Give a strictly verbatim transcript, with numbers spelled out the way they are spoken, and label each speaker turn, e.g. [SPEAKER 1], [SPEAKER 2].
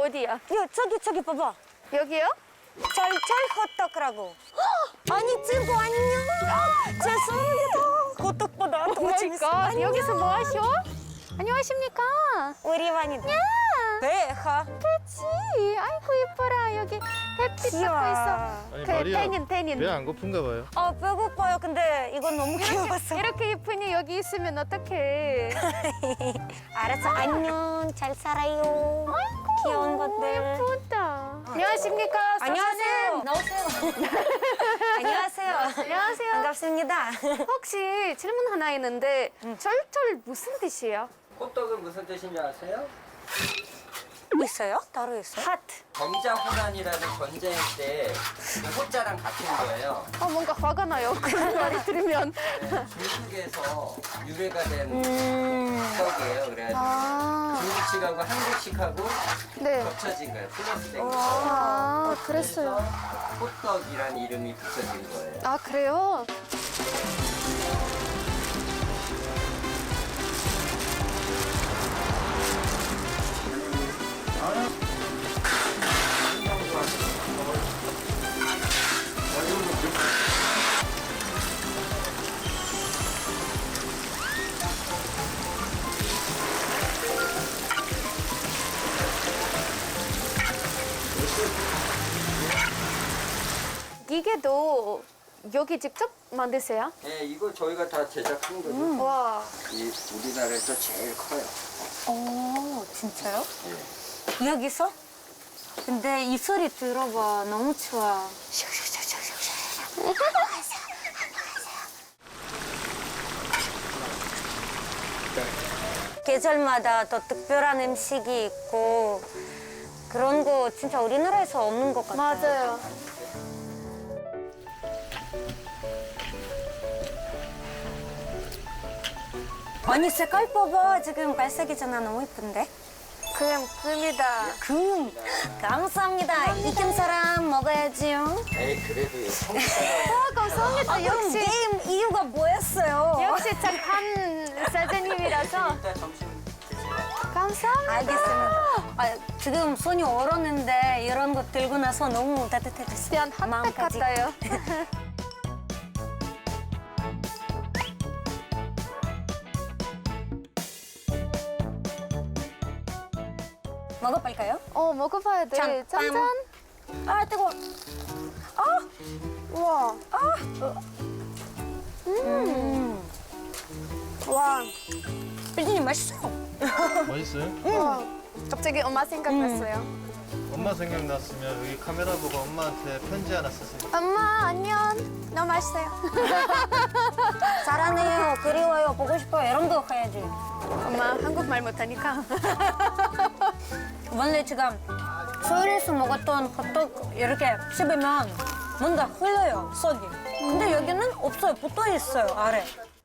[SPEAKER 1] 어디야?
[SPEAKER 2] 야, 저기 저기 봐봐.
[SPEAKER 1] 여기요?
[SPEAKER 2] 절절 호떡이라고. 아니 친구 안녕. 죄송합니다. 호떡보다 더 재밌어.
[SPEAKER 1] 오마이갓, 여기서 뭐 하셔? 안녕하십니까?
[SPEAKER 2] 우리 완이.
[SPEAKER 1] 야,
[SPEAKER 2] 배하.
[SPEAKER 1] 그치. 아이고 이뻐라. 여기 햇빛
[SPEAKER 2] 귀여워.
[SPEAKER 1] 받고 있어.
[SPEAKER 3] 아니
[SPEAKER 1] 그
[SPEAKER 3] 마리아
[SPEAKER 1] 태닌 태닌.
[SPEAKER 3] 배 안 고픈가 봐요.
[SPEAKER 2] 아 배고파요. 근데 이건 너무 귀여웠어.
[SPEAKER 1] 이렇게 이쁘니 여기 있으면 어떡해?
[SPEAKER 2] 알았어. 안녕. 잘 살아요. 귀여운 것들.
[SPEAKER 1] 예쁘다. 안녕하십니까?
[SPEAKER 2] 안녕하세요. 나오세요. 안녕하세요.
[SPEAKER 1] 안녕하세요.
[SPEAKER 2] 반갑습니다.
[SPEAKER 1] 혹시 질문 하나 있는데 절절 무슨 뜻이에요?
[SPEAKER 4] 호떡은 무슨 뜻인지 아세요?
[SPEAKER 2] 있어요? 따로 있어요?
[SPEAKER 1] 하트.
[SPEAKER 4] 정자호란이라는 전쟁 때그 호자랑 같은 거예요.
[SPEAKER 1] 어 뭔가 화가 나요. 그런 말이 들으면.
[SPEAKER 4] 중국에서 유래가 된
[SPEAKER 2] 음.
[SPEAKER 4] 호떡이에요. 그래가지고
[SPEAKER 1] 아,
[SPEAKER 4] 중국식하고 한국식하고
[SPEAKER 1] 네.
[SPEAKER 4] 겹쳐진 거예요. 플러스 된 거예요.
[SPEAKER 1] 아,
[SPEAKER 4] 그래서
[SPEAKER 1] 그랬어요.
[SPEAKER 4] 호떡이라는 이름이 붙여진 거예요.
[SPEAKER 1] 아, 그래요? 이게도 여기 직접 만드세요?
[SPEAKER 4] 네, 이거 저희가 다 제작한 거죠.
[SPEAKER 1] 와.
[SPEAKER 4] 이 우리나라에서 제일 커요.
[SPEAKER 2] 오, 진짜요?
[SPEAKER 4] 예.
[SPEAKER 2] 여기서? 근데 이 소리 들어봐. 너무 좋아. 계절마다 또 특별한 음식이 있고 그런 거 진짜 우리나라에서 없는 것 같아요.
[SPEAKER 1] 맞아요.
[SPEAKER 2] 아니 색깔 봐봐. 지금 갈색이잖아. 너무 예쁜데?
[SPEAKER 1] 그냥 금이다.
[SPEAKER 2] 금. 감사합니다. 이긴 사람 먹어야지요.
[SPEAKER 4] 에이, 그래도 이 한국
[SPEAKER 1] 아, 감사합니다.
[SPEAKER 2] 아, 그럼
[SPEAKER 1] 역시,
[SPEAKER 2] 게임 이유가 뭐였어요?
[SPEAKER 1] 역시 착한 사장님이라서.
[SPEAKER 4] 일단 점심 드세요.
[SPEAKER 1] 감사합니다.
[SPEAKER 2] 알겠습니다. 아, 지금 손이 얼었는데 이런 거 들고 나서 너무 따뜻해졌어요.
[SPEAKER 1] 그냥 핫팩
[SPEAKER 2] 마음까지.
[SPEAKER 1] 같아요.
[SPEAKER 2] 먹어볼까요?
[SPEAKER 1] 어, 먹어봐야 돼.
[SPEAKER 2] 잠깐.
[SPEAKER 1] 짠짠.
[SPEAKER 2] 아, 뜨거워.
[SPEAKER 1] 우와.
[SPEAKER 2] 음. 와, 빌리님 맛있어요.
[SPEAKER 3] 맛있어요?
[SPEAKER 1] 와. 갑자기 엄마 생각났어요.
[SPEAKER 3] 엄마 생각났으면 여기 카메라 보고 엄마한테 편지 하나 쓰세요.
[SPEAKER 1] 엄마, 안녕. 너무 맛있어요.
[SPEAKER 2] 사랑해요, 그리워요, 보고 싶어요. 이런 거 해야지.
[SPEAKER 1] 엄마 한국말 못하니까.
[SPEAKER 2] 원래 지금 서울에서 먹었던 호떡 이렇게 씹으면 뭔가 흘러요, 속이. 근데 여기는 없어요. 붙어 있어요, 아래.